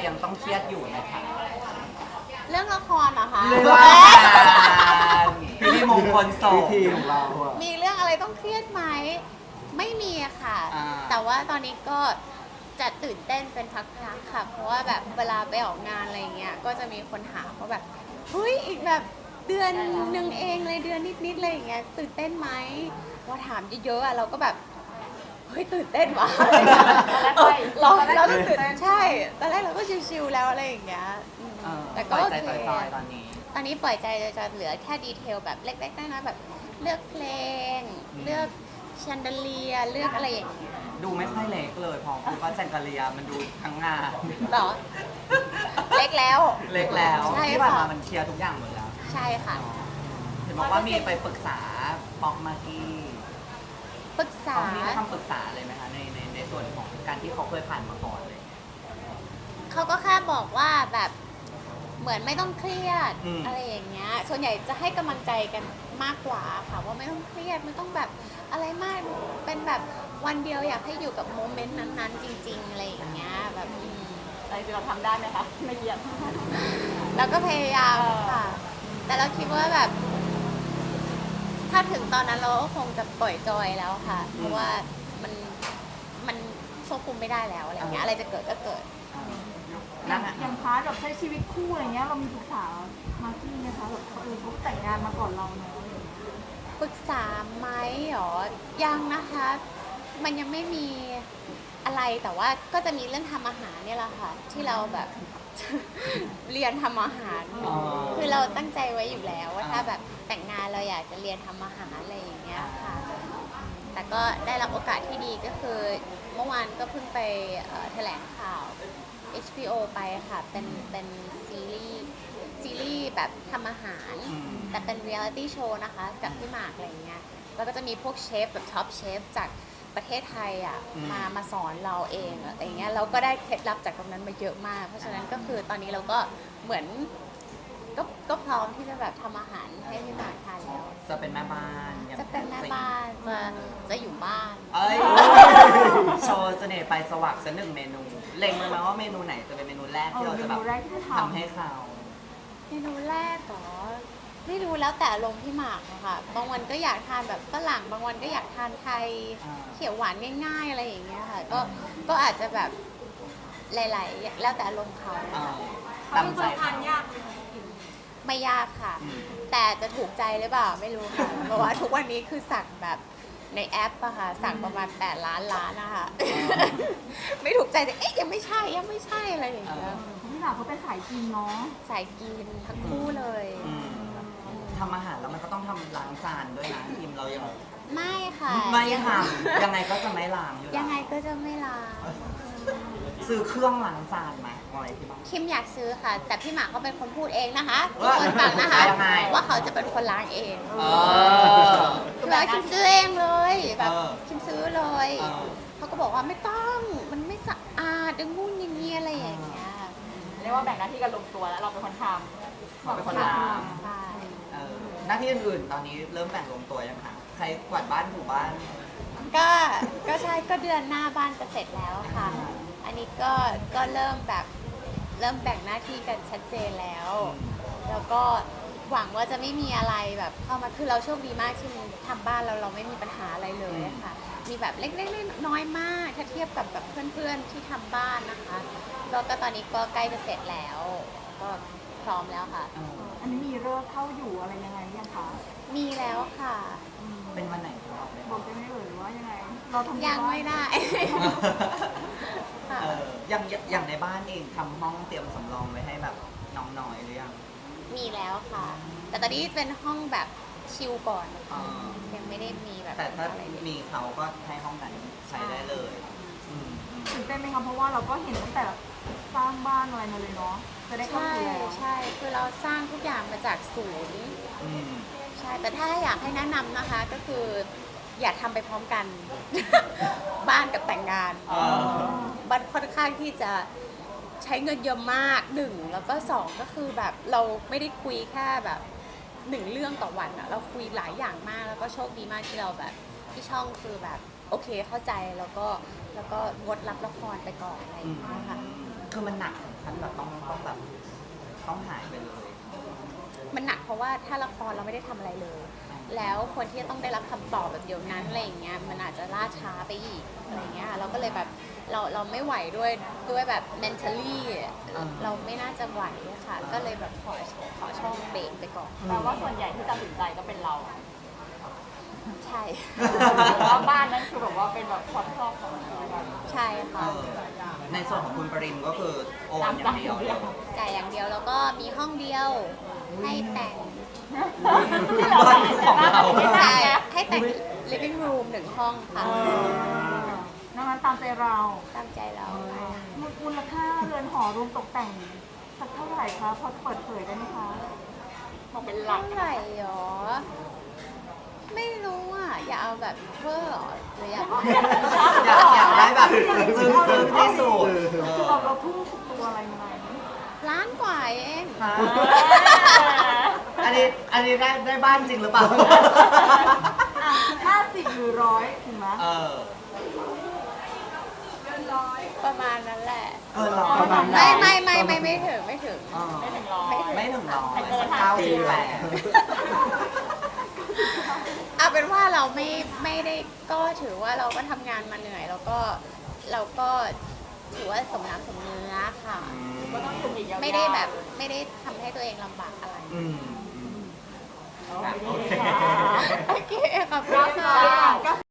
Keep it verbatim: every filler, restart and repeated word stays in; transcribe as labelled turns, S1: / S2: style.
S1: ยังต้องเครียดอยู่นะคะ
S2: เรื่องละครเหรอคะ
S1: เรื่องพิธีมงคลสง
S3: พิธีของเราอะ
S2: มีเรื่องอะไรต้องเครียดไหมไม่มีอะค่ะ
S1: อ่า
S2: แต่ว่าตอนนี้ก็จะตื่นเต้นเป็นพักๆค่ะ เพราะว่าแบบเวลาไปออกงานอะไรเงี้ยก็จะมีคนถามว่าแบบเฮ้ยอีกแบบเดือนหนึ่งเองเลยเดือนนิดๆอะไรอย่างเงี้ยตื่นเต้นไหมว่าถามเยอะๆอะเราก็แบบเฮ้ยตื่นเต้นว่ะเออเราเราต้องตื่นใช่ตอนแรกเราก็ชิวๆแล้วอะไรอย่างเงี้ยอืม
S1: เออ
S2: แต่
S1: ป
S2: ก็
S1: ล่อย
S2: โอ
S1: ใจ
S2: เค
S1: จอยๆตอนนี้
S2: ตอนนี้ปล่อยใจจะเหลือแค่ดีเทลแบบเล็กๆน้อยๆแบบเลือกเพลง
S1: อืม
S2: เลือกแชนเดเลียเลือกอะไรอย่างเงี้ย
S1: ดูไม่ค่อยเล็กเลยพอพูดว่าแจงกะเลียมันดูทั้งงาน
S2: หรอ เล็กแล้ว
S1: เล็กแล้ว
S2: ใช่
S1: ที่ผ่าน
S2: ค่ะ
S1: มามันเคลียร์ทุกอย่างหมดแล้ว
S2: ใช่ค่ะ
S1: เห็นบอกว่ามีไปปรึกษาป๊อกมากกี้
S2: ปรึกษา
S1: เขามีคำปรึกษาเลยไหมคะในในในส่วนของการที่เขาเคยผ่านมาก่อนเลย
S2: เขาก็แค่บอกว่าแบบเหมือนไม่ต้องเครียด
S1: อืม
S2: อะไรอย่างเงี้ยส่วนใหญ่จะให้กำลังใจกันมากกว่าค่ะว่าไม่ต้องเครียดไม่ต้องแบบอะไรมากเป็นแบบวันเดียวอยากให้อยู่กับโมเมนต์นั้นๆ จริง ๆอะไรอย่างเงี้ยแบบอืม
S4: อะไรที่เราทำได้ไหมคะไม่เยี่ยม
S2: เราก็พยายามค่ะ แต่เราคิดว่าแบบ ถ้าถึงตอนนั้นเราก็คงจะปล่อยจอยแล้วค่ะ เพราะว่ามันมันควบคุมไม่ได้แล้วอะไรอย่างเงี้ยอะไรจะเกิดก็เกิด
S1: นั่นอะ
S4: อย่างพาร์ทแบบใช้ชีวิตคู่อะไรเงี้ยเรามีปรึกษามาร์กี้ไหมคะแบบเออเขาแต่งงานมาก่อนเราเนอะอะไรอย่างเงี้ย
S2: ปรึกษาไหมหรอ ยังนะคะ มันยังไม่มีอะไรแต่ว่าก็จะมีเรื่องทำอาหารเนี่ยแหละค่ะ ที่เราแบบ เรียนทำอาหาร
S1: อ๋อ
S2: คือเราตั้งใจไว้อยู่แล้วว่าถ้าแบบแต่งงานเราอยากจะเรียนทำอาหารอะไรอย่างเงี้ยค่ะ แต่ก็ได้รับโอกาสที่ดีก็คือเมื่อวานก็เพิ่งไปเอ่อแถลงข่าว เอช บี โอ ไปค่ะ เป็นเป็นซีรีส์ซีรีส์แบบทำอาหาร
S1: อืม
S2: แต่เป็นเรียลิตี้โชว์นะคะ กับพี่หมากอะไรเงี้ย แล้วก็จะมีพวกเชฟแบบท็อปเชฟจากประเทศไทยอ่ะ
S1: อืม
S2: มามาสอนเราเองอะไรเงี้ยเราก็ได้เคล็ดลับจากตรงนั้นมาเยอะมาก เพราะฉะนั้นก็คือตอนนี้เราก็เหมือนก็ก็พร้อมที่จะแบบทำอาหารให้พี่หมากทานแล้ว
S1: จะเป็นแม่บ้านอย่าง
S2: จะเป็นแม่บ้านจะจะอยู่บ้าน
S1: เอ้ย โชว์เสน่ห์ไปสวักสักหนึ่งเมนู เล็งไว้ไหมว่าเมนูไหนจะเป็นเมนูแรกที่เราจะแบบ
S4: เออเมนูแรกที่จะทำ
S1: ทำให้เขา
S2: เมนูแรกเหรอไม่รู้แล้วแต่อารมณ์พี่หมากอะค่ะ บางวันก็อยากทานแบบฝรั่ง บางวันก็อยากทานไทย
S1: อ่า
S2: เขียวหวานง่าย ๆ อะไรอย่างเงี้ยค่ะ ก็ก็อาจจะแบบหลายๆแล้วแต่อารมณ์เขา
S1: เอ่อตามใจเขา
S2: ไม่ยากค่ะ
S1: อืม
S2: แต่จะถูกใจหรือเปล่าไม่รู้ค่ะ เพราะว่าทุกวันนี้คือสั่งแบบในแอปอะค่ะ สั่งประมาณแปดล้านล้านนะคะ ไม่ถูกใจแต่เอ๊ะยังไม่ใช่ยังไม่ใช่อะไรอย่างเงี้ย
S4: พี่หมากเขาเป็นสายกินเนาะ
S2: สายกินทั้งคู่เลย
S1: อืมทำอาหารแล้วมันก็ต้องทำล้างจานด้วยนะทีมเรายัง
S2: ไม่ค่ะ
S1: ไม่ทำยังไงก็จะไม่ล้างอยู่แล้ว
S2: ยังไงก็จะไม่ล้าง
S1: ซื้อเครื่องล้างจานไหมอะไรที่บ้าน
S2: คิมอยากซื้อค่ะ แต่พี่หมากเขาเป็นคนพูดเองนะคะทุก
S1: ว่า
S2: คนฟังนะคะ
S1: ยังไง
S2: ว่าเขาจะเป็นคนล้างเอง
S1: เออ
S2: คือแล้วคิมซื้อเองเลยแบบ
S1: เออ
S2: คิมซื้อเลย
S1: เออ
S2: เขาก็บอกว่าไม่ต้องมันไม่สะอาดอย่างงู้นอย่างนี้อะไรอย่างเงี้ย
S4: เรียกว่าแบ่งหน้าที่กันลงตัวแล้วเราเป็นคนทำ
S1: เขาเป็นคนล้าง
S2: ใช่
S1: เออหน้าที่อื่นๆตอนนี้เริ่มแบ่งลงตัวยังคะใครกวาดบ้านถูบ้าน
S2: ก็ก็ใช่ก็เดือนหน้าบ้านจะเสร็จแล้วค่ะ อันนี้ก็ก็เริ่มแบบเริ่มแบ่งหน้าที่กันชัดเจนแล้ว แล้วก็หวังว่าจะไม่มีอะไรแบบเข้ามาคือเราโชคดีมากที่ทำบ้านเราเราไม่มีปัญหาอะไรเลยค่ะ มีแบบเล็กๆน้อยๆมาก ถ้าเทียบกับแบบเพื่อนๆที่ทำบ้านนะคะก็ก็ตอนนี้ก็ใกล้จะเสร็จแล้ว ก็พร้อมแล้วค่ะ
S1: เออ
S4: อันนี้มีเลิกเข้าอยู่อะไรยังไงยังคะ
S2: มีแล้วค่ะ
S1: เป็นวันไหนของเราไหม
S4: บอกได้ไหมเอ่ยว่ายังไง เราทำ
S2: ยังไม่ได้ ค่ะ
S1: เอออย่างอย่างในบ้านเองทำห้องเตรียมสำรองไว้ให้แบบน้องน้อยหรือยัง
S2: มีแล้วค่ะ แต่ตอนนี้เป็นห้องแบบชิลก่อน
S1: อ๋อ
S2: ยังไม่ได้มีแบบ
S1: แต่ถ้า
S2: อะไรเลย
S1: มีเขาก็ให้ห้องนั้นใช้ได้เลยอืมอืม
S4: ตื่นเต้นไหมคะเพราะว่าเราก็เห็นตั้งแต่สร้างบ้านอะไรมาเลยเนาะจะได้เข้า
S2: ใช่
S4: สู่แล้ว
S2: ใช่คือเราสร้างทุกอย่างมาจากศูนย์
S1: อืม
S2: ใช่ แต่ถ้าอยากให้แนะนำนะคะก็คืออย่าทำไปพร้อมกัน บ้านกับแต่งงาน
S1: อ๋อ
S2: บ้านค่อนข้างที่จะใช้เงินเยอะมากหนึ่งแล้วก็สองก็คือแบบเราไม่ได้คุยแค่แบบหนึ่งเรื่องต่อวันอะเราคุยหลายอย่างมากแล้วก็โชคดีมากที่เราแบบที่ช่องคือแบบโอเคเข้าใจแล้วก็แล้วก็งดรับละครไปก่อนอะไรอย่างเงี้ยค่ะ
S1: อืมคือมันหนักถึงขั้นแบบต้องต้องแบบต้องหายไปเลย
S2: มันหนักเพราะว่าถ้าละครเราไม่ได้ทำอะไรเลย แล้วคนที่จะต้องได้รับคำตอบแบบเดียวนั้นอะไรอย่างเงี้ยมันอาจจะล่าช้าไปอีกอะไรเงี้ยเราก็เลยแบบเราเราไม่ไหวด้วยด้วยแบบ mentally เราไม่น่าจะไหวอะค่ะ ก็เลยแบบขอขอช่องเบรกไปก่อน
S4: แต่ว่าส่วนใหญ่ที่ตัดสินใจก็เป็นเรา
S2: ใช่
S4: เพราะว่าบ้านนั้นคือแบบว่าเป็นแบบความชอบของเรา
S2: ใช่ค่ะ
S1: เออในส่วนของคุณปริมก็คือโอนอย่างเดียวเลย
S2: จ่ายอย่างเดียวแล้วก็มีห้องเดียวให้แต่ง
S1: บ้านของเรา
S2: ใช่ให้แต่ง living room หนึ่งห้องค่ะ
S4: นอกนั้นตามใจเรา
S2: ตามใจเรา
S4: มูลค่าเรือนหอรวมตกแต่งสักเท่าไหร่คะพอจะเปิดเผยได้ไหมคะบอกเป็นหลัก
S2: เท่าไหร่หรอ ไม่รู้อ่ะ อย่าเอาแบบเวอร์หรอหรืออยาก
S1: อยากอยากได้แบบซึ้งซึ้งที่สุด
S4: คือเราเราทุ่มสุดตัวอะไรมาไหม
S2: ล้านกว่าเอง
S1: ฮะอันนี้อันนี้ได้ได้บ้านจริงหรือเปล่า
S4: ห้าสิบหรือร้อยถึงไหม
S1: เออ
S2: ประมาณนั้นแหละ
S1: เออเราประมาณ
S2: ไม่ไม่ไม่ไม่ไม่ถึงไม่ถึง
S1: เออ
S4: ไม่ถึงร้อย
S1: ไม่ถึงร้อยสักเก้าสิบแปด
S2: เอาเป็นว่าเราไม่ไม่ได้ก็ถือว่าเราก็ทำงานมาเหนื่อย แล้วก็เราก็ถือว่าสมน้ำสมเนื้อค่ะ
S4: ก็ต้องอยู่อีกยาวๆ
S2: ไม่ได้แบบไม่ได้ทำให้ตัวเองลำบากอะไร
S1: อืมอืม
S4: โอเคค่ะ
S2: โอเคขอบคุณค่ะ